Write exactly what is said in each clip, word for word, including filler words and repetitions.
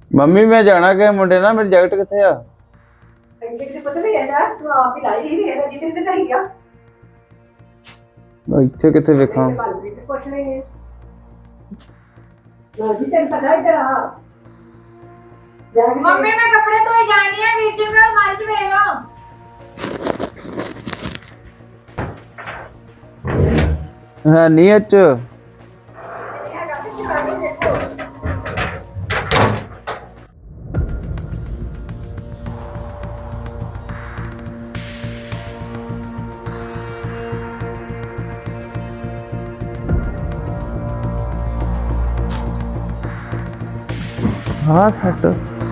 Mummy ਮੈਂ ਜਾਣਾ ਕਿ ਮੁੰਡੇ ਨਾਲ, ਮੇਰੀ ਜੈਕਟ ਕਿੱਥੇ ਆ? ਮੈਂ ਇੱਥੇ ਕਿੱਥੇ ਵੇਖਾਂ? ਮੰਮੀ ਮੈਂ ਕੱਪੜੇ ਧੋਈ ਜਾਣੀ ਆ, ਵੀਰ ਜੀ ਮੈਂ ਅਲਮਾਰੀ 'ਚ ਵੇਖ ਲਓ। ਹੈ ਨਹੀਂ ਅੱਜ ਹਾਂ ਸੱਟ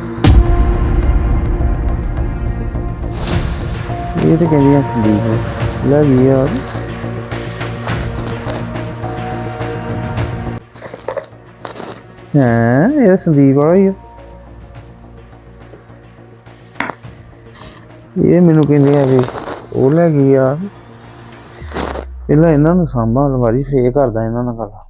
ਇਹ ਤਾਂ ਕਹਿੰਦੀ ਆ ਸੰਦੀਪ ਲੈ ਗਈ ਯਾਰ। ਹਾਂ ਇਹ ਸੰਦੀਪ ਵਾਲਾ ਹੀ ਆ। ਇਹ ਮੈਨੂੰ ਕਹਿੰਦੇ ਆ ਵੀ ਉਹ ਲੈ ਗਈ ਆ। ਪਹਿਲਾਂ ਇਹਨਾਂ ਨੂੰ ਸਾਂਭਾਂ ਅਲਮਾਰੀ, ਫੇਰ ਕਰਦਾ ਇਹਨਾਂ ਨਾਲ ਗੱਲ।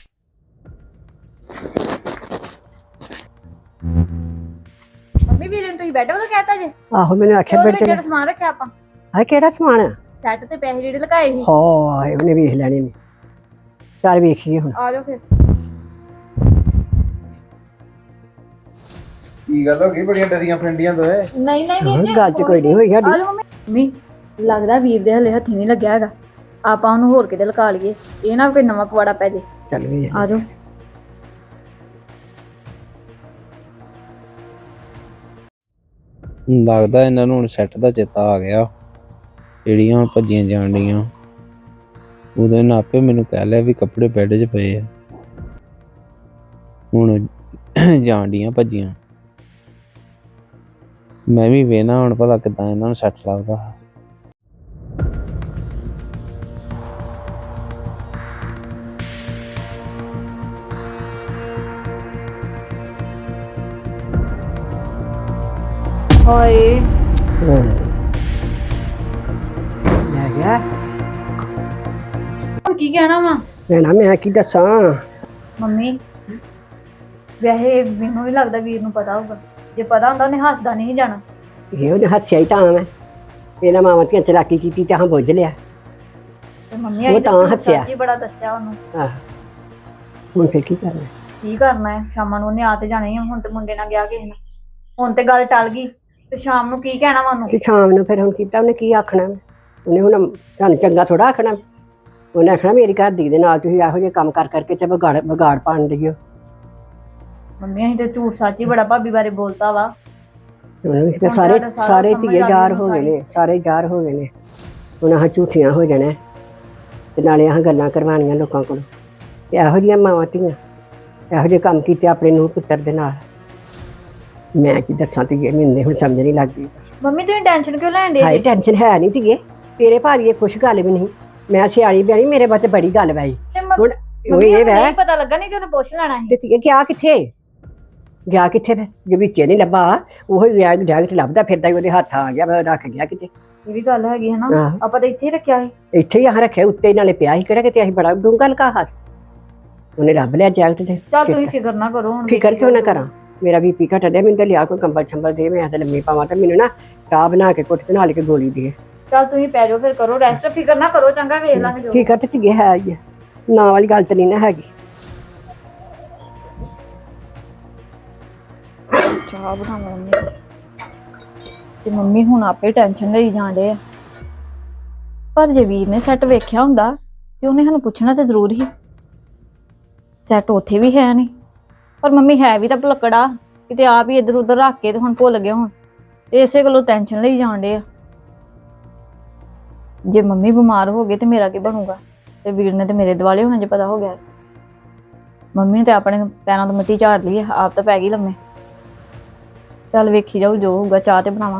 ਮੰਮੀ ਵੀਰ ਨੂੰ ਤੁਸੀਂ ਬੈੱਡ ਵਾਲਾ ਕਹਿਤਾ ਜੇ? ਆਹੋ ਮੈਨੂੰ ਆਖਿਆ ਉਹਦੇ ਬੈਠ ਵਿੱਚ ਜਿਹੜਾ ਸਮਾਨ ਰੱਖਿਆ ਆਪਾਂ, ਹਾਂ ਕਿਹੜਾ ਸਮਾਨ ਆ? ਸੈੱਟ ਤੇ ਪੈਸੇ ਜਿਹੜੇ ਲਗਾਏ ਸੀ। ਹਾਂ ਉਹਨੇ ਵੇਖ ਲੈਣੇ ਨੇ। ਚੱਲ ਵੇਖੀਏ ਹੁਣ। ਆ ਜਾਓ ਫਿਰ। ਕੀ ਗੱਲ ਹੋ ਗਈ? ਬੜੀਆਂ ਡਰੀਆਂ ਫਰੈਂਡੀਆਂ ਦੋਏ। ਨਹੀਂ ਨਹੀਂ ਵੀਰ ਜੀ, ਗੱਲ ਤੇ ਕੋਈ ਨਹੀਂ ਹੋਈ ਸਾਡੀ। ਆ ਜਾਓ ਮੰਮੀ। ਮੰਮੀ ਲੱਗਦਾ ਵੀਰ ਦੇ ਹਲੇ ਹੱਥੀ ਨਹੀਂ ਲੱਗਿਆ ਹੈਗਾ, ਆਪਾਂ ਉਹਨੂੰ ਹੋਰ ਕਿਤੇ ਲਗਾ ਲਈਏ, ਇਹ ਨਾ ਕੋਈ ਨਵਾਂ ਪਵਾੜਾ ਪੈ ਜੇ। ਚੱਲ ਵੀ ਆ ਜਾਓ। ਲੱਗਦਾ ਇਹਨਾਂ ਨੂੰ ਹੁਣ ਸੈੱਟ ਦਾ ਚੇਤਾ ਆ ਗਿਆ, ਜਿਹੜੀਆਂ ਭੱਜੀਆਂ ਜਾਣ ਡੀਆਂ। ਉਹਦੇ ਨਾਲ ਆਪੇ ਮੈਨੂੰ ਕਹਿ ਲਿਆ ਵੀ ਕੱਪੜੇ ਬੈੱਡ 'ਚ ਪਏ ਆ, ਹੁਣ ਜਾਣ ਡੀਆਂ ਭੱਜੀਆਂ। ਮੈਂ ਵੀ ਵੇਖਣਾ ਹੁਣ ਭਲਾ ਕਿੱਦਾਂ ਇਹਨਾਂ ਨੂੰ ਸੈੱਟ ਲੱਗਦਾ। ਹਾਏ ਲੈ ਗਿਆ। ਹੁਣ ਕੀ ਕਹਿਣਾ ਵਾ ਮੈਂ ਨਾ ਮੈਂ ਕੀ ਦੱਸਾਂ। ਮੰਮੀ? ਵੈਸੇ ਮੈਨੂੰ ਨਹੀਂ ਲੱਗਦਾ ਵੀਰ ਨੂੰ ਪਤਾ ਹੋਊਗਾ, ਜੇ ਪਤਾ ਹੁੰਦਾ ਉਹਨੇ ਹੱਸਦਾ ਨਹੀਂ ਜਾਣਾ। ਇਹ ਉਹਨੇ ਹੱਸਿਆ ਹੀ ਤਾਂ ਮੈਂ ਇਹਨਾਂ ਮਾਵਾਂ ਧੀਆਂ ਚਲਾਕੀ ਕੀਤੀ ਤੇ ਹਾਂ ਬੁੱਝ ਲਿਆ। ਤੇ ਮੰਮੀ ਉਹ ਆਈ ਤਾਂ ਤਾਂ ਹੱਸਿਆ। ਸੱਚੀ ਬੜਾ ਦੱਸਿਆ ਉਹਨੂੰ। ਆਹ ਹੁਣ ਫੇਰ ਕੀ ਕਰਨਾ? ਕੀ ਕਰਨਾ ਹੈ, ਸ਼ਾਮਾਂ ਨੂੰ ਉਹਨੇ ਆ ਤੇ ਜਾਣਾ ਹੀ ਆ। ਹੁਣ ਤੇ ਮੁੰਡੇ ਨਾਲ ਗਿਆ ਕਿਸੇ ਨਾਲ, ਹੁਣ ਤੇ ਗੱਲ ਟਲ ਗਈ, ਤੇ ਸ਼ਾਮ ਨੂੰ ਕੀ ਕਹਿਣਾ ਵਾ ਉਹਨੂੰ? ਤੇ ਸ਼ਾਮ ਨੂੰ ਫਿਰ ਹੁਣ ਕੀਤਾ ਉਹਨੇ ਕੀ ਆਖਣਾ? ਉਹਨੇ ਹੁਣ ਤੁਹਾਨੂੰ ਚੰਗਾ ਥੋੜਾ ਆਖਣਾ। ਉਹਨੇ ਆਖਣਾ ਮੇਰੀ ਘਰ ਦੀ ਦੇ ਨਾਲ ਤੁਸੀਂ ਇਹੋ ਜਿਹੇ ਕੰਮ ਕਰ ਕਰਕੇ ਤੇ ਵਿਗਾੜ ਵਿਗਾੜ ਪਾਣ ਦਿਓ। ਮੰਮੀ ਅਸੀਂ ਤੇ ਝੂਠ ਸੱਚ ਹੀ ਬੜਾ ਭਾਬੀ ਬਾਰੇ ਬੋਲਤਾ ਵਾ। ਉਹਨੂੰ ਫਿਰ ਹੁਣ ਸਾਰੇ ਤੁਹਾਡਾ ਸਾਰਾ ਸਾਰੇ ਸਮਝ ਧੀਏ ਲੱਗ ਜ਼ਾਰ ਗਈ ਹੋ ਗਏ ਸਾਰੀ। ਨੇ, ਸਾਰੇ ਜ਼ਾਰ ਹੋ ਗਏ ਨੇ। ਹੁਣ ਆਹ ਝੂਠੀਆਂ ਹੋ ਜਾਣਾ ਤੇ ਨਾਲੇ ਆਹ ਗੱਲਾਂ ਕਰਵਾਉਣੀਆਂ ਲੋਕਾਂ ਕੋਲ। ਤੇ ਇਹੋ ਜਿਹੀਆਂ ਮਾਵਾਂ ਧੀਆਂ ਇਹੋ ਜਿਹੇ ਕੰਮ ਕੀਤੇ ਆਪਣੇ ਨੂੰਹ ਪੁੱਤਰ ਦੇ ਨਾਲ। ਮੈਂ ਕੀ ਦੱਸਾਂ ਧੀਏ, ਮੈਨੂੰ ਹੁਣ ਸਮਝ ਨਹੀਂ ਲੱਗਦੀ। ਮੰਮੀ ਤੁਸੀਂ ਟੈਨਸ਼ਨ ਕਿਉਂ ਲੈਣ ਦੇ ਹਾਏ ਟੈਨਸ਼ਨ ਹੈ ਨਹੀਂ ਧੀਏ, ਤੇਰੇ ਭਾਰੀ ਇਹ ਕੁਛ ਗੱਲ ਵੀ ਨਹੀਂ। ਮੈਂ ਸਿਆਣੀ ਬਿਆਣੀ, ਮੇਰੇ ਵਾਸਤੇ ਬੜੀ ਗੱਲ ਵਾਈ। ਤੇ ਮੰਮੀ ਹੁਣ ਉਹ ਇਹ ਵੈ ਨਹੀਂ ਪਤਾ ਲੱਗਾ, ਨਹੀਂ ਤੇ ਉਹਨੇ ਪੁੱਛ ਲੈਣਾ ਸੀ। ਤੇ ਧੀਏ ਗਿਆ ਕਿੱਥੇ? ਗਿਆ ਕਿੱਥੇ ਫਿਰ? ਜੇ ਵਿੱਚੇ ਨਹੀਂ ਲੱਭਾ, ਉਹ ਰੈਗ ਡੈਗਟ ਲੱਭਦਾ ਫਿਰਦਾ ਹੀ ਉਹਦੇ ਹੱਥ ਆ ਗਿਆ, ਮੈਂ ਰੱਖ ਗਿਆ ਕਿਤੇ। ਇਹ ਵੀ ਗੱਲ ਹੈਗੀ ਹੈ ਨਾ, ਆਹ ਆਪਾਂ ਤਾਂ ਇੱਥੇ ਹੀ ਰੱਖਿਆ ਸੀ। ਇੱਥੇ ਹੀ ਆਹ ਰੱਖਿਆ ਉੱਤੇ ਨਾਲੇ ਪਿਆ ਸੀ, ਕਿਹੜਾ ਕਿਤੇ ਅਸੀਂ ਬੜਾ ਡੂੰਘਾ ਲਕਾ ਸੀ। ਉਹਨੇ ਲੱਭ ਲਿਆ ਜੈਕਟ ਤੇ। ਚੱਲ ਤੁਸੀਂ ਫਿਕਰ ਨਾ ਕਰੋ ਹੁਣ। ਫਿਕਰ ਕਿਉਂ ਨਾ ਕਰਾਂ? ਮੇਰਾ ਵੀ ਪੀ ਘਟਿਆ, ਮੈਨੂੰ ਤਾਂ ਲਿਆ ਕੋਈ ਕੰਬਲ ਛੰਬਲ ਦੇ, ਮੈਂ ਤਾਂ ਲੰਮੀ ਪਾਵਾਂ। ਤੇ ਮੈਨੂੰ ਨਾ ਚਾਹ ਬਣਾ ਕੇ ਕੁੱਟ ਬਣਾ ਕੇ ਗੋਲੀ ਦੇ। ਚੱਲ ਤੁਸੀਂ ਪੈ ਜਾਓ ਫਿਰ, ਕਰੋ ਰੈਸਟ, ਫਿਕਰ ਨਾ ਕਰੋ, ਚੰਗਾ ਵੇਖ ਲਾਂਗੇ ਜੋ। ਫਿਕਰ ਤੇ ਧੀਏ ਹੈ ਹੀ ਆ, ਨਾ ਵਾਲੀ ਗੱਲ ਤਾਂ ਨਹੀਂ ਨਾ ਹੈਗੀ। ਚਾਹ ਬਣਾਵਾਂ ਮੰਮੀ ਤੇ ਮੰਮੀ ਹੁਣ ਆਪੇ ਟੈਨਸ਼ਨ ਲਈ ਜਾਂਦੇ ਆ। ਪਰ ਜੇ ਵੀਰ ਨੇ ਸੈੱਟ ਵੇਖਿਆ ਹੁੰਦਾ ਤੇ ਉਹਨੇ ਸਾਨੂੰ ਪੁੱਛਣਾ ਤੇ ਜ਼ਰੂਰ ਹੀ। ਸੈੱਟ ਉੱਥੇ ਵੀ ਹੈ ਨਹੀਂ, ਪਰ ਮੰਮੀ ਹੈ ਵੀ ਤਾਂ ਭੁਲੱਕੜਾ, ਕਿਤੇ ਆਪ ਹੀ ਇੱਧਰ ਉੱਧਰ ਰੱਖ ਕੇ ਤੇ ਹੁਣ ਭੁੱਲ ਗਏ ਹੁਣ। ਇਸੇ ਗੱਲੋਂ ਟੈਨਸ਼ਨ ਲਈ ਜਾਂਦੇ ਆ। ਜੇ ਮੰਮੀ ਬਿਮਾਰ ਹੋ ਗਏ ਤੇ ਮੇਰਾ ਕੀ ਬਣੂਗਾ? ਤੇ ਵੀਰ ਨੇ ਤੇ ਮੇਰੇ ਦਿਵਾਲੇ ਹੋਣਾ ਜੇ ਪਤਾ ਹੋ ਗਿਆ। ਮੰਮੀ ਨੇ ਤੇ ਆਪਣੇ ਪੈਰਾਂ ਤੋਂ ਮਿੱਟੀ ਝਾੜ ਲਈ, ਆਪ ਤਾਂ ਪੈ ਗਈ ਲੰਮੇ। ਚੱਲ ਵੇਖੀ ਜਾਊ ਜੋ ਹੋਊਗਾ। ਚਾਹ ਤੇ ਬਣਾਵਾਂ।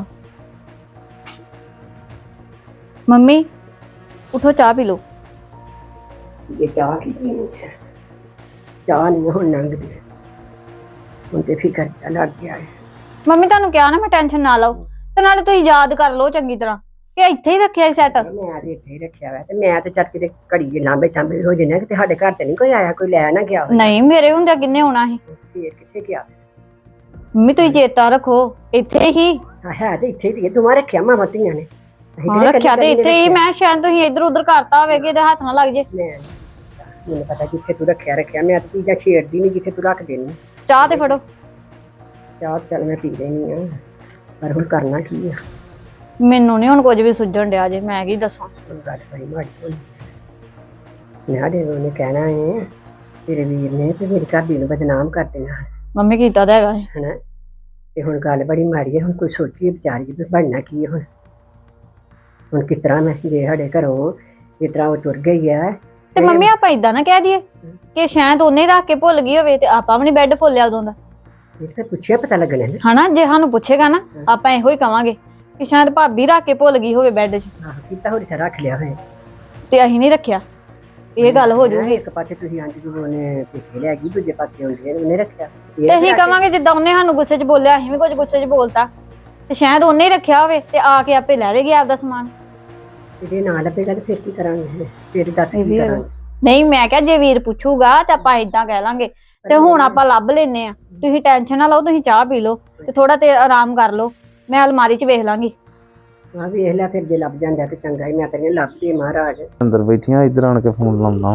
ਮੰਮੀ ਉਠੋ, ਚਾਹ ਪੀ ਲਓ। ਇਹ ਚਾਹ ਕੀ ਪੀਣੀ ਹੈ? ਚਾਹ ਨਹੀਂ ਹੁਣ ਲੰਘਦੀ, ਹੁਣ ਤੇ ਫਿਕਰ ਜਿਹਾ ਲੱਗ ਗਿਆ ਹੈ। ਮੰਮੀ ਤੁਹਾਨੂੰ ਕਿਹਾ ਨਾ ਮੈਂ ਟੈਨਸ਼ਨ ਨਾ ਲਓ, ਤੇ ਨਾਲੇ ਤੁਸੀਂ ਯਾਦ ਕਰ ਲਓ ਚੰਗੀ ਤਰ੍ਹਾਂ ਕਿ ਇੱਥੇ ਹੀ ਰੱਖਿਆ ਸੀ ਸੈੱਟ। ਮੈਂ ਤੇ ਇੱਥੇ ਹੀ ਰੱਖਿਆ ਵਾ, ਤੇ ਮੈਂ ਤੇ ਚੱਲ ਕਿਤੇ ਘੜੀ ਲਾਂਬੇ ਚਾਂਬੇ ਹੋ ਜਨੇ ਕਿ ਸਾਡੇ ਘਰ ਤੇ ਨਹੀਂ ਕੋਈ ਆਇਆ, ਕੋਈ ਲੈ ਨਾ ਗਿਆ ਹੋਵੇ। ਨਹੀਂ ਮੇਰੇ ਹੁੰਦਿਆਂ ਕਿੰਨੇ ਆਉਣਾ ਸੀ? ਫੇਰ ਕਿੱਥੇ ਗਿਆ? ਮੰਮੀ ਤੁਸੀਂ ਚੇਤਾ ਰੱਖੋ ਇੱਥੇ ਹੀ ਹਾਂ ਹੈ ਤੇ ਇੱਥੇ ਹੀ ਦੋਵਾਂ ਰੱਖਿਆ ਮਾਵਾਂ ਧੀਆਂ ਨੇ ਅਸੀਂ ਹਾਂ ਕਿਹੜੇ ਰੱਖਿਆ ਤੇ ਕੱਲੀ ਇੱਥੇ ਹੀ ਮੈਂ ਸ਼ਾਇਦ ਤੁਸੀਂ ਇੱਧਰ ਉੱਧਰ ਕਰਤਾ ਹੋਵੇ ਕਿ ਇਹਦੇ ਹੱਥ ਨਾ ਲੱਗ ਜੇ ਮੈਂ ਮੈਨੂੰ ਪਤਾ ਜਿੱਥੇ ਤੂੰ ਰੱਖਿਆ ਰੱਖਿਆ ਮੈਂ ਤਾਂ ਚੀਜ਼ਾਂ ਛੇੜਦੀ ਨਹੀਂ ਜਿੱਥੇ ਤੂੰ ਰੱਖ ਦੇਣੀ ਚਾਹ ਤੇ ਫੜੋ ਚਾਹ ਚੱਲ ਮੈਂ ਪੀ ਲੈਣੀ ਆ ਪਰ ਹੁਣ ਕਰਨਾ ਕੀ ਆ ਮੈਨੂੰ ਨਹੀਂ ਹੁਣ ਕੁਝ ਵੀ ਸੁੱਝਣ ਡਿਆ ਜੇ ਮੈਂ ਕੀ ਦੱਸਾਂ ਹੁਣ ਗੱਲ ਬੜੀ ਮਾੜੀ ਹੋਈ ਨਾ ਦੇ ਉਹਨੇ ਕਹਿਣਾ ਹੈ ਤੇਰੇ ਵੀਰ ਨੇ ਤੇ ਮੇਰੀ ਘਰ ਦੀ ਨੂੰ ਬਦਨਾਮ ਕਰ ਦੇਣਾ ਮੰਮੀ ਕੀਤਾ ਤਾਂ ਹੈਗਾ ਏ। ਹਨਾ ਤੇ ਹੁਣ ਗੱਲ ਬੜੀ ਮਾੜੀ ਹੈ ਹੁਣ ਕੋਈ ਸੋਚੀਏ ਵਿਚਾਰੀਏ ਵੀ ਬਣਨਾ ਕੀ ਹੈ ਹੁਣ ਹੁਣ ਕਿਸ ਤਰ੍ਹਾਂ ਮੈਂ ਜੇ ਸਾਡੇ ਘਰੋਂ ਜਿਸ ਤਰ੍ਹਾਂ ਉਹ ਤੁਰ ਗਈ ਹੈ ਤੇ ਮੰਮੀ ਆਪਾਂ ਇਦਾਂ ਨਾ ਕਹਿ ਦਈਏ ਕਿ ਸ਼ਾਇਦ ਉਹਨੇ ਰੱਖ ਕੇ ਭੁੱਲ ਗਈ ਹੋਵੇ ਤੇ ਆਪਾਂ ਵੀ ਨਹੀਂ ਬੈੱਡ ਫੋਲਿਆ ਉਦੋਂ ਦਾ ਇਸ ਤੇ ਪੁੱਛਿਆ ਪਤਾ ਲੱਗਣਾ ਨਾ ਹਨਾ ਜੇ ਸਾਨੂੰ ਪੁੱਛੇਗਾ ਨਾ ਆਪਾਂ ਇਹੋ ਹੀ ਕਵਾਂਗੇ ਕਿ ਸ਼ਾਇਦ ਭਾਬੀ ਰੱਖ ਕੇ ਭੁੱਲ ਗਈ ਹੋਵੇ ਬੈੱਡ 'ਚ ਆਹੋ ਕੀਤਾ ਹੋਰ ਇੱਥੇ ਰੱਖ ਲਿਆ ਹੋਇਆ ਤੇ ਅਸੀਂ ਨਹੀਂ ਰੱਖਿਆ ਇਹ ਗੱਲ ਹੋ ਜੂਗੀ ਇੱਕ ਪਾਸੇ ਤੁਸੀਂ ਆਂਟੀ ਨੂੰ ਉਹਨੇ ਪਿੱਛੇ ਲੈ ਗਈ ਦੂਜੇ ਪਾਸੇ ਆਉਂਦੀ ਹੈ ਉਹਨੇ ਰੱਖਿਆ ਤੇ ਅਸੀਂ ਕਵਾਂਗੇ ਜਿੱਦਾਂ ਉਹਨੇ ਸਾਨੂੰ ਗੁੱਸੇ 'ਚ ਬੋਲਿਆ ਅਸੀਂ ਵੀ ਕੁਝ ਗੁੱਸੇ 'ਚ ਬੋਲਤਾ ਤੇ ਸ਼ਾਇਦ ਉਹਨੇ ਹੀ ਰੱਖਿਆ ਹੋਵੇ ਤੇ ਆ ਕੇ ਆਪੇ ਲੈ ਲੇਗੀ ਆਪਦਾ ਸਮਾਨ ਇਹਦੇ ਨਾਲ ਲੱਭੇਗਾ ਤੇ ਫਿਰ ਕੀ ਕਰਾਂਗੇ ਫਿਰ ਦੱਸ ਕੀ ਕਰਾਂਗੇ ਨਹੀਂ ਮੈਂ ਕਿਹਾ ਜੇ ਵੀਰ ਪੁੱਛੂਗਾ ਤੇ ਆਪਾਂ ਇਦਾਂ ਕਹਿ ਲਾਂਗੇ ਤੇ ਹੁਣ ਆਪਾਂ ਲੱਭ ਲੈਨੇ ਆ ਤੁਸੀਂ ਟੈਨਸ਼ਨ ਨਾ ਲਓ ਤੁਸੀਂ ਚਾਹ ਪੀ ਲਓ ਤੇ ਥੋੜਾ ਤੇ ਆਰਾਮ ਕਰ ਲਓ ਮੈਂ ਅਲਮਾਰੀ 'ਚ ਵੇਖ ਲਾਂਗੀ ਆ ਵੇਖ ਲੈ ਫਿਰ ਜੇ ਲੱਭ ਜਾਂਦਾ ਤੇ ਚੰਗਾ ਹੀ ਮੈਂ ਤੈਨੂੰ ਲੱਭਦੀ ਮਹਾਰਾਜ ਅੰਦਰ ਬੈਠੀਆਂ ਇੱਧਰ ਆਣ ਕੇ ਫੋਨ ਲਾਉਣਾ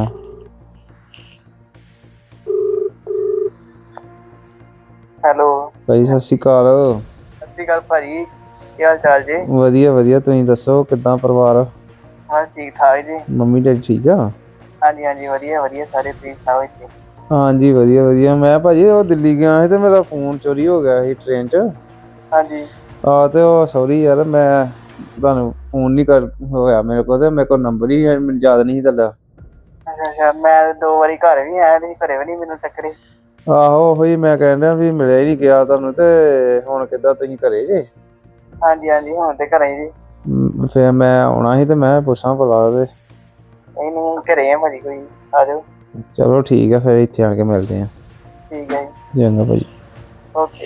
ਹੈਲੋ ਭਾਈ ਸਤਿ ਸ਼੍ਰੀ ਅਕਾਲ ਸਤਿ ਸ਼੍ਰੀ ਅਕਾਲ ਭਾਜੀ ਕੀ ਹਾਲ ਚਾਲ ਜੀ ਵਧੀਆ ਵਧੀਆ ਤੁਸੀਂ ਦੱਸੋ ਕਿੱਦਾਂ ਪਰਿਵਾਰ ਹਾਂ ਠੀਕ ਠਾਕ ਜੀ ਮੰਮੀ ਡੈਡੀ ਠੀਕ ਆ ਹਾਂਜੀ ਹਾਂਜੀ ਵਧੀਆ ਵਧੀਆ ਸਾਰੇ ਠੀਕ ਠਾਕ ਜੀ ਹਾਂਜੀ ਵਧੀਆ ਵਧੀਆ ਮੈਂ ਭਾਜੀ ਉਹ ਦਿੱਲੀ ਗਿਆ ਸੀ ਤੇ ਮੇਰਾ ਫੋਨ ਚੋਰੀ ਹੋ ਗਿਆ ਸੀ ਟ੍ਰੇਨ 'ਚ ਹਾਂਜੀ ਆ ਤੇ ਉਹ ਸੌਰੀ ਯਾਰ ਮੈਂ ਤੁਹਾਨੂੰ ਫੋਨ ਨਹੀਂ ਕਰ ਹੋਇਆ ਮੇਰੇ ਕੋਲ ਤੇ ਮੇਰੇ ਕੋਲ ਨੰਬਰ ਹੀ ਮੈਨੂੰ ਯਾਦ ਨਹੀਂ ਸੀ ਤੁਹਾਡਾ ਅੱਛਾ ਅੱਛਾ ਮੈਂ ਦੋ ਵਾਰੀ ਘਰ ਵੀ ਆਇਆ ਤੁਸੀਂ ਘਰੇ ਵੀ ਨਹੀਂ ਮੈਨੂੰ ਟੱਕਰੇ ਆਹੋ ਉਹੀ ਮੈਂ ਕਹਿਣ ਡਿਆ ਵੀ ਮਿਲਿਆ ਹੀ ਨਹੀਂ ਗਿਆ ਤੁਹਾਨੂੰ ਤੇ ਹੁਣ ਕਿੱਦਾਂ ਤੁਸੀਂ ਘਰੇ ਜੇ ਹਾਂਜੀ ਹਾਂਜੀ ਹੁਣ ਤੇ ਘਰੇ ਜੀ ਮ, ਫਿਰ ਮੈਂ ਆਉਣਾ ਸੀ ਤੇ ਮੈਂ ਪੁੱਛਾਂ ਭਲਾ ਤੇ ਨਹੀਂ ਨਹੀਂ ਘਰੇ ਆ ਭਾਜੀ ਕੋਈ ਆ ਜਾਓ ਚਲੋ ਠੀਕ ਆ ਫਿਰ ਇੱਥੇ ਆਣ ਕੇ ਮਿਲਦੇ ਆ ਠੀਕ ਹੈ ਜੀ ਚੰਗਾ ਭਾਜੀ ਓਕੇ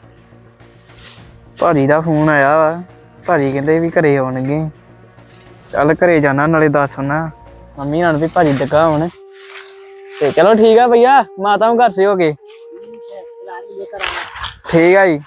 ਭਾਜੀ ਦਾ ਫੋਨ ਆਇਆ ਵਾ ਭਾਜੀ ਕਹਿੰਦੇ ਵੀ ਘਰੇ ਆਉਣਗੇ ਚੱਲ ਘਰੇ ਜਾਣਾ ਨਾਲੇ ਦੱਸ ਨਾ ਮੰਮੀ ਨਾਲ ਵੀ ਭਾਜੀ ਡੱਗਾ ਹੁਣ ਤੇ ਚਲੋ ਠੀਕ ਆ ਭਈਆ ਮਾਤਾ ਨੂੰ ਘਰ ਸੇ ਹੋ ਗਏ ਠੀਕ ਆ ਜੀ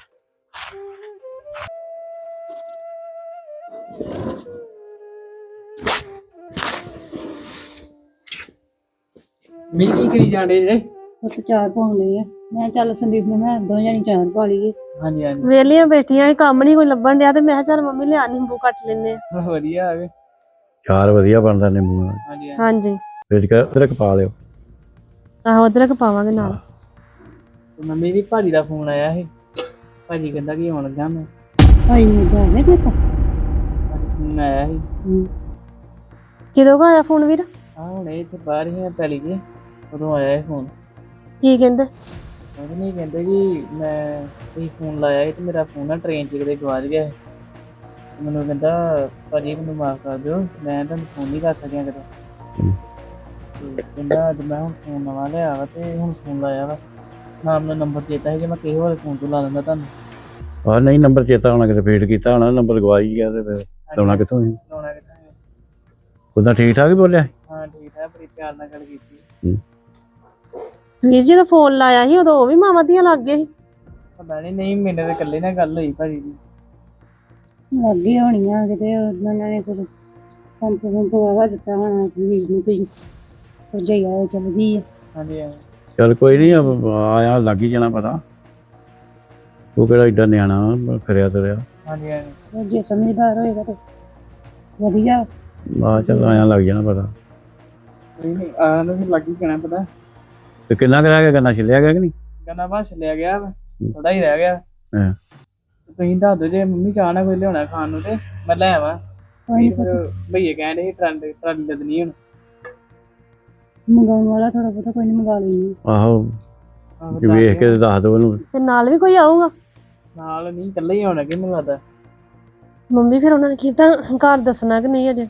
ਮੀ ਕੀ ਕਰੀ ਜਾਂਦੇ ਜੇ ਉਹ ਤੇ ਚਾਰ ਪਾਉਣੇ ਆ ਮੈਂ ਚੱਲ ਸੰਦੀਪ ਨੂੰ ਮੈਂ ਦੋ ਜਣੀ ਚਾਰ ਪਾ ਲਈਏ ਹਾਂਜੀ ਹਾਂਜੀ ਵੇਲੀਆਂ ਬੈਠੀਆਂ ਕੰਮ ਨਹੀਂ ਕੋਈ ਲੱਭਣ ਡਿਆ ਤੇ ਮੈਂ ਕਿਹਾ ਚੱਲ ਮੰਮੀ ਲਿਆ ਨਿੰਬੂ ਕੱਟ ਲੈਨੇ ਆ ਵਧੀਆ ਆ ਗਏ ਚਾਰ ਵਧੀਆ ਬਣਦਾ ਨਿੰਬੂ ਨਾਲ ਹਾਂਜੀ ਹਾਂਜੀ ਵਿੱਚ ਕੇ ਅਦਰਕ ਪਾ ਲਿਓ ਆਹੋ ਅਦਰਕ ਪਾਵਾਂਗੇ ਨਾਲ ਮੰਮੀ ਦੀ ਭਾਜੀ ਦਾ ਫੋਨ ਆਇਆ ਸੀ ਭਾਜੀ ਕਹਿੰਦਾ ਕਿ ਆਉਣ ਲੱਗਾ ਮੈਂ ਭਾਈ ਨੂੰ ਜਾਵੇ ਚੇਤਾ ਫੋਨ ਆਇਆ ਸੀ ਕਿਦੋਂ ਆਇਆ ਫੋਨ ਵੀਰ ਆ ਹੁਣ ਇੱਥੇ ਬਾਹਰ ਹੀ ਆ ਪਹਿਲੀ ਜੀ ਉਦੋਂ ਆਇਆ ਇਹ ਫੋਨ ਕੀ ਕਹਿੰਦੇ ਉਹ ਨਹੀਂ ਕਹਿੰਦੇ ਕਿ ਮੈਂ ਤੁਸੀਂ ਫੋਨ ਲਾਇਆ ਸੀ ਤੇ ਮੇਰਾ ਫੋਨ ਨਾ ਟ੍ਰੇਨ 'ਚ ਕਿਤੇ ਗਵਾਚ ਗਿਆ ਸੀ ਤੇ ਮੈਨੂੰ ਕਹਿੰਦਾ ਭਾਜੀ ਮੈਨੂੰ ਮਾਫ ਕਰ ਦਿਓ ਮੈਂ ਤੁਹਾਨੂੰ ਫੋਨ ਨਹੀਂ ਕਰ ਸਕਿਆ ਕਿਤੇ ਤੇ ਕਹਿੰਦਾ ਅੱਜ ਮੈਂ ਹੁਣ ਫੋਨ ਨਵਾਂ ਲਿਆ ਵਾ ਤੇ ਹੁਣ ਫੋਨ ਲਾਇਆ ਵਾ ਨਾ ਮੈਨੂੰ ਨੰਬਰ ਚੇਤਾ ਸੀ ਕਿ ਮੈਂ ਕਿਸੇ ਹੋਰ ਫੋਨ ਤੋਂ ਲਾ ਲੈਂਦਾ ਤੁਹਾਨੂੰ ਆ ਨਹੀਂ ਨੰਬਰ ਚੇਤਾ ਹੋਣਾ ਕਿਤੇ ਫੇਡ ਕੀਤਾ ਹੋਣਾ ਨੰਬਰ ਗਵਾਈ ਗਿਆ ਤੇ ਫਿਰ ਲਾਉਣਾ ਕਿੱਥੋਂ ਸੀ ਲਾਉਣਾ ਕਿੱਦਾਂ ਹੈ? ਉਦਾਂ ਠੀਕ ਠਾਕ ਹੀ ਬੋਲਿਆ ਹਾਂ ਠੀਕ ਹੈ ਬੜੀ ਪਿਆਰ ਨਾਲ ਗੱਲ ਕੀਤੀ ਵੀਰ ਜੀ ਦਾ ਫੋਨ ਲਾਇਆ ਸੀ ਉਦੋਂ ਉਹ ਵੀ ਮਾਵਾਂ ਦੀਆਂ ਲੱਗ ਗਏ ਸੀ ਪਤਾ ਨਹੀਂ ਨਹੀਂ ਮੇਰੇ ਤੇ ਇਕੱਲੇ ਨਾਲ ਗੱਲ ਹੋਈ ਭਾਜੀ ਦੀ ਲੱਗੇ ਹੋਣੀਆਂ ਕਿਤੇ ਉਹਨਾਂ ਨੇ ਕੁਝ ਪੰਪ ਪੰਪ ਵਾਵਾ ਦਿੱਤਾ ਹੋਣਾ ਵੀਰ ਨੂੰ ਕੋਈ ਭਰਜਾਈ ਆ ਚੱਲ ਗਈ ਆ ਹਾਂਜੀ ਹਾਂਜੀ ਚਲ ਕੋਈ ਨਹੀਂ ਆਇਆ ਲੱਗ ਹੀ ਜਾਣਾ ਪਤਾ ਉਹ ਕਿਹੜਾ ਏਡਾ ਨਿਆਣਾ ਫਿਰਿਆ ਤੁਰਿਆ ਹਾਂਜੀ ਹਾਂਜੀ ਉਹ ਜੇ ਸਮਝਦਾਰ ਹੋਏਗਾ ਤਾਂ ਵਧੀਆ ਆ ਚੱਲ ਆਇਆ ਲੱਗ ਜਾਣਾ ਪਤਾ ਕੋਈ ਨਹੀਂ ਆਹ ਨੂੰ ਵੀ ਲੱਗ ਹੀ ਜਾਣਾ ਪਤਾ ਤੇ ਕਿੰਨਾ ਕੁ ਰਹਿ ਗਿਆ ਗੰਨਾ ਛਿਲਿਆ ਗਿਆ ਕਿ ਨਹੀਂ ਗੰਨਾ ਬਾਸ਼ ਲਿਆ ਗਿਆ ਥੋੜਾ ਹੀ ਰਹਿ ਗਿਆ ਹਾਂ ਤੁਸੀਂ ਦੱਸ ਦਿਓ ਜੇ ਮੰਮੀ ਚਾਹ ਨਾ ਕੋਈ ਲਿਆਉਣਾ ਖਾਣ ਨੂੰ ਤੇ ਮੈਂ ਲੈ ਆਵਾਂ ਫਿਰ ਭਈਏ ਕਹਿੰਦੇ ਟਰੰਡ ਟਰਾਲੀ ਲੱਦਣੀ ਹੁਣ ਮੰਗਾਉਣ ਵਾਲਾ ਥੋੜਾ ਬਹੁਤਾ ਕੋਈ ਨਹੀਂ ਮੰਗਾ ਲੈਣੀ ਆਹੋ ਆਹੋ ਜੇ ਵੇਖ ਕੇ ਤੇ ਦੱਸ ਦਿਓ ਉਹਨੂੰ ਤੇ ਨਾਲ ਵੀ ਕੋਈ ਆਊਗਾ ਨਾਲ ਨਹੀਂ ਇਕੱਲੇ ਹੀ ਆਉਣਾ ਕਿ ਮੈਨੂੰ ਲੱਗਦਾ ਮੰਮੀ ਫਿਰ ਉਹਨਾਂ ਨੇ ਕੀਤਾ ਘਰ ਦੱਸਣਾ ਕਿ ਨਹੀਂ ਅਜੇ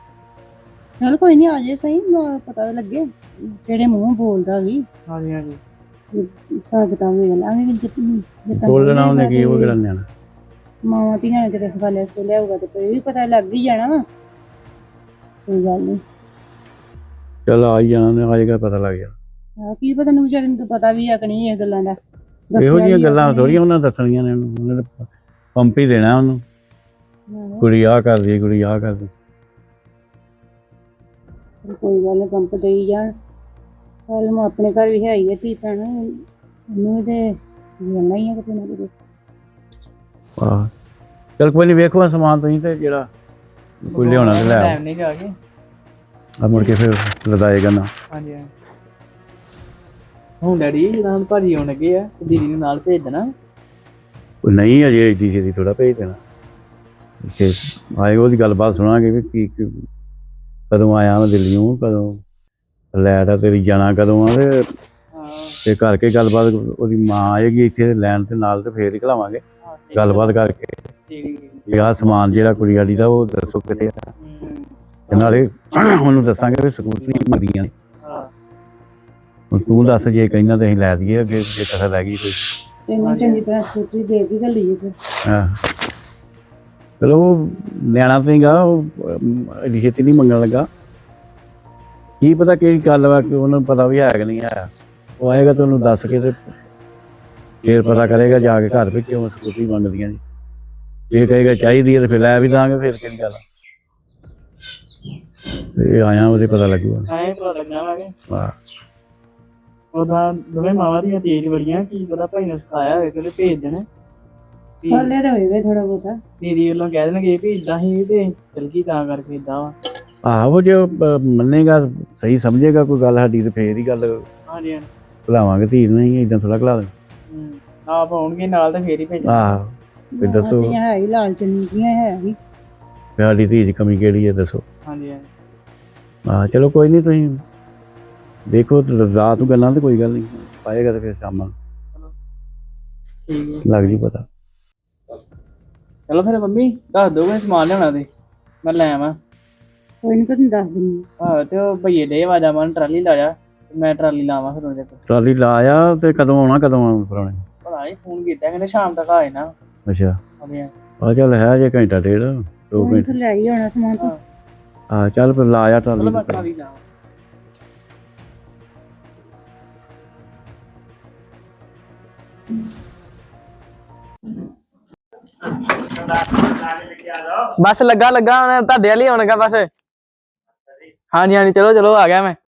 ਚਲ ਕੋਈ ਨਹੀਂ ਆ ਜੇ ਸਹੀ ਪਤਾ ਤਾਂ ਲੱਗੇ ਕਿਹੜੇ ਮੂੰਹ ਬੋਲਦਾ ਵੀ ਹਾਂਜੀ ਹਾਂਜੀ ਹਿਸਾਬ ਕਿਤਾਬ ਵੇਖ ਲਾਂਗੇ ਕਿ ਜਿੱਤ ਬੋਲਣਾ ਉਹਨੇ ਕੀ ਉਹ ਕਿਹੜਾ ਨਿਆਣਾ ਮਾਵਾਂ ਧੀਆਂ ਨੇ ਕਿਤੇ ਸਵਾਲੇ ਸੇ ਲਿਆਊਗਾ ਤੇ ਕੋਈ ਵੀ ਪਤਾ ਲੱਗ ਹੀ ਜਾਣਾ ਵਾ ਕੋਈ ਗੱਲ ਨਹੀਂ ਚੱਲ ਆ ਹੀ ਜਾਣਾ ਉਹਨੇ ਆ ਜਾਏਗਾ ਪਤਾ ਲੱਗ ਜਾਣਾ ਆ ਕੀ ਪਤਾ ਨੂੰ ਵਿਚਾਰੇ ਨੂੰ ਤਾਂ ਪਤਾ ਵੀ ਆ ਕਿ ਨਹੀਂ ਇਹ ਗੱਲਾਂ ਦਾ ਇਹੋ ਜਿਹੀਆਂ ਗੱਲਾਂ ਥੋੜੀਆਂ ਉਹਨਾਂ ਦੱਸਣੀਆਂ ਨੇ ਉਹਨੂੰ, ਉਹਨੇ ਤਾਂ ਪੰਪ ਹੀ ਦੇਣਾ ਉਹਨੂੰ, ਕੁੜੀ ਆਹ ਕਰਦੀ ਕੁੜੀ ਆਹ ਕਰਦੀ। ਕੋਈ ਗੱਲ ਨੀ, ਪੰਪ ਦੇਈ ਜਾਣ। ਕੱਲ ਨੂੰ ਆਪਣੇ ਘਰ ਵੀ ਹੈ ਹੀ ਆ ਧੀ ਭੈਣ, ਉਹਨੂੰ ਵੀ ਤੇ ਜਾਣਾ ਹੀ ਆ ਕਿਤੇ ਨਾ ਕਿਤੇ। ਆਹ ਚਲ ਕੋਈ ਨਹੀਂ, ਵੇਖੋ ਸਮਾਨ ਤੁਸੀਂ ਤੇ ਜਿਹੜਾ ਕੋਈ ਲਿਆਉਣਾ ਤੇ ਲੈ ਆਓ। ਟਾਈਮ ਨਹੀਂ ਜਾ ਕੇ। ਆ ਮੁੜ ਕੇ ਫਿਰ ਲਦਾਏਗਾ ਨਾ। ਹਾਂਜੀ ਹਾਂਜੀ। ਹੁਣ ਡੈਡੀ ਜਦੋਂ ਹੁਣ ਭਾਜੀ ਆਉਣ ਲੱਗੇ ਆ ਤੇ ਦੀਦੀ ਨੂੰ ਨਾਲ ਭੇਜ ਦੇਣਾ। ਉਹ ਨਹੀਂ ਅਜੇ ਏਡੀ ਛੇਤੀ ਥੋੜਾ ਭੇਜ ਦੇਣਾ, ਕਿ ਆਏ ਉਹਦੀ ਗੱਲਬਾਤ ਸੁਣਾਂਗੇ ਵੀ ਕੀ ਕੀ- ਕਦੋਂ ਆਇਆ ਮੈਂ ਦਿੱਲੀੋਂ, ਕਦੋਂ ਲੈਟ ਆ ਤੇਰੀ, ਜਾਣਾ ਕਦੋਂ ਆ, ਤੇ ਹਾਂ ਤੇ ਕਰਕੇ ਗੱਲਬਾਤ ਉਹਦੀ ਮਾਂ ਆਏਗੀ ਇੱਥੇ ਲੈਣ ਤੇ ਨਾਲ, ਤੇ ਫੇਰ ਹੀ ਖਲਾਵਾਂਗੇ ਹਾਂ, ਠੀਕ ਗੱਲਬਾਤ ਕਰਕੇ ਠੀਕ ਠੀਕ ਠੀਕ। ਵੀ ਆਹ ਸਮਾਨ ਜਿਹੜਾ ਕੁੜੀ ਵਾਲੀ ਦਾ ਉਹ ਦੱਸੋ ਕਿਤੇ ਆ, ਹੂੰ, ਤੇ ਨਾਲੇ ਉਹਨੂੰ ਦੱਸਾਂਗੇ ਵੀ ਸਕੂਟਰੀ ਮੰਗਦੀਆਂ ਨੇ। ਹਾਂ ਹੁਣ ਤੂੰ ਦੱਸ ਜੇ ਕਹਿੰਦਾ ਤੇ ਅਸੀਂ ਲੈ ਦਈਏ ਅੱਗੇ, ਜੇ ਕਸਰ ਰਹਿ ਗਈ ਕੋਈ। ਤੈਨੂੰ ਚੰਗੀ ਤਰ੍ਹਾਂ ਸਕੂਟਰੀ ਦੇ ਕੇ ਘੱਲੀਏ ਫਿਰ। ਹਾਂ ਚਲੋ ਉਹ ਨਿਆਣਾ ਤੇਗਾ, ਉਹ ਐਡੀ ਛੇਤੀ ਨਹੀਂ ਮੰਗਣ ਲੱਗਾ। ਕੀ ਪਤਾ ਕਿਹੜੀ ਗੱਲ ਵਾ, ਕਿ ਉਹਨੂੰ ਪਤਾ ਵੀ ਹੈ ਕਿ ਨਹੀਂ ਆਇਆ। ਉਹ ਆਏਗਾ ਤਾਂ ਉਹਨੂੰ ਦੱਸ ਕੇ ਤੇ ਫੇਰ ਪਤਾ ਕਰੇਗਾ ਜਾ ਕੇ ਘਰ ਵੀ ਕਿਉਂ ਸਕੂਟਰੀ ਮੰਗਦੀਆਂ ਜੀ। ਇਹ ਕਹੇਗਾ ਚਾਹੀਦੀ ਹੈ ਤੇ ਫਿਰ ਲੈ ਵੀ ਦਾਂਗੇ, ਫਿਰ ਕਿਹੜੀ ਗੱਲ ਆ। ਇਹ ਆਇਆ ਉਹਦੇ ਪਤਾ ਲੱਗੂਗਾ। ਐਂ ਪਤਾ ਲੱਗਣਾ ਵਾ ਕਿ ਵਾਹ ਉਹਦਾ ਦੋਵੇਂ ਮਾਵਾਂ ਦੀਆਂ ਤੇਜ਼ ਬੜੀਆਂ, ਕੀ ਪਤਾ ਭਾਈ ਨੇ ਸਿਖਾਇਆ ਹੋਵੇ ਕਿ ਭੇਜ ਦੇਣ। ਵੀ ਹਾਲੇ ਤਾਂ ਹੋਏਗਾ ਥੋੜਾ ਬਹੁਤਾ। ਦੀਦੀ ਵੱਲੋਂ ਕਹਿ ਦੇਣਗੇ ਵੀ ਇਦਾਂ ਹੀ ਤੇ ਚਲ ਗਈ ਤਾਂ ਕਰਕੇ ਇਦਾਂ ਵਾ। ਆਹੋ ਜੇ ਉਹ, ਅਹ, ਮੰਨੇਗਾ ਸਹੀ ਸਮਝੇਗਾ ਕੋਈ ਗੱਲ ਸਾਡੀ, ਤੇ ਫੇਰ ਹੀ ਗੱਲ ਹਾਂਜੀ ਹਾਂਜੀ। ਭੁਲਾਵਾਂਗੇ ਧੀ ਨੂੰ, ਨਹੀਂ ਏਦਾਂ ਥੋੜਾ ਖਿਲਾ ਦੇ। ਹੂੰ, ਆਪ ਆਉਣਗੇ ਨਾਲ ਤੇ ਫੇਰ ਹੀ ਭੇਜਣਾ। ਆਹੋ ਵੀ ਦੱਸੋ ਧੀਆਂ ਹੈ ਹੀ ਲਾਲਚ ਨੀਆਂ ਹੈ ਹੀ। ਵੀ ਸਾਡੀ ਧੀ ਦੀ ਕਮੀ ਕਿਹੜੀ ਹੈ ਦੱਸੋ। ਹਾਂਜੀ ਹਾਂਜੀ। ਹਾਂ ਚਲੋ ਕੋਈ ਨਹੀਂ, ਤੁਸੀਂ ਦੇਖੋ ਤੇ ਰਾਤ ਨੂੰ ਗੱਲਾਂ ਤੇ ਕੋਈ ਗੱਲ ਨਹੀਂ, ਪਾਏਗਾ ਤੇ ਫਿਰ ਸ਼ਾਮਾਂ ਨੂੰ ਠੀਕ ਹੈ। ਲੱਗ ਜੂ ਪਤਾ। ਚਲੋ ਫਿਰ ਮੰਮੀ ਦੱਸ ਦੋ ਕੋਈ ਸਮਾਨ ਲਿਆਉਣਾ ਤੇ ਮੈਂ ਲੈ ਆਵਾਂ। ਕੋਈ ਨੀ, ਤੁਹਾਨੂੰ ਦੱਸ ਦਿੰਦੀ ਆਹੋ ਤੇ ਉਹ ਭਈਏ ਦੇ ਆਵਾਜ਼ਾਂ ਮਾਰਨ ਟਰਾਲੀ ਲਾ ਜਾ, ਤੇ ਮੈਂ ਟਰਾਲੀ ਲਾਵਾਂ ਫਿਰ ਉਹਦੇ ਕੋਲ। ਟਰਾਲੀ ਲਾਇਆ ਤੇ ਕਦੋਂ ਆਉਣਾ, ਕਦੋਂ ਆਉਣਾ ਪਰਾਉਣੇ? ਪਤਾ ਨਹੀਂ ਫੋਨ ਕੀਤਾ ਕਹਿੰਦੇ ਸ਼ਾਮ ਤੱਕ ਆ ਜਾਣਾ। ਅੱਛਾ ਹਾਂਜੀ ਆ ਚੱਲ ਹੈ ਜੇ ਘੰਟਾ ਡੇਢ ਦੋ ਕੋਈ ਘੰਟੇ। ਫਿਰ ਲੈ ਹੀ ਆਉਣਾ ਸਮਾਨ ਤੋਂ। ਹਾਂ ਚੱਲ ਫਿਰ ਲਾਇਆ ਚਲੋ ਟਰਾਲੀ ਮੈਂ ਤੇ। ਟਰਾਲੀ ਲਾਵਾਂ। ਬਸ ਲੱਗਾ ਲੱਗਾ ਹੁਣ ਤੁਹਾਡੇ ਵਾਲੀ ਆਉਣਗਾ ਬਸ। ਹਾਂਜੀ ਹਾਂਜੀ ਚਲੋ ਚਲੋ ਆ ਗਿਆ ਮੈਂ।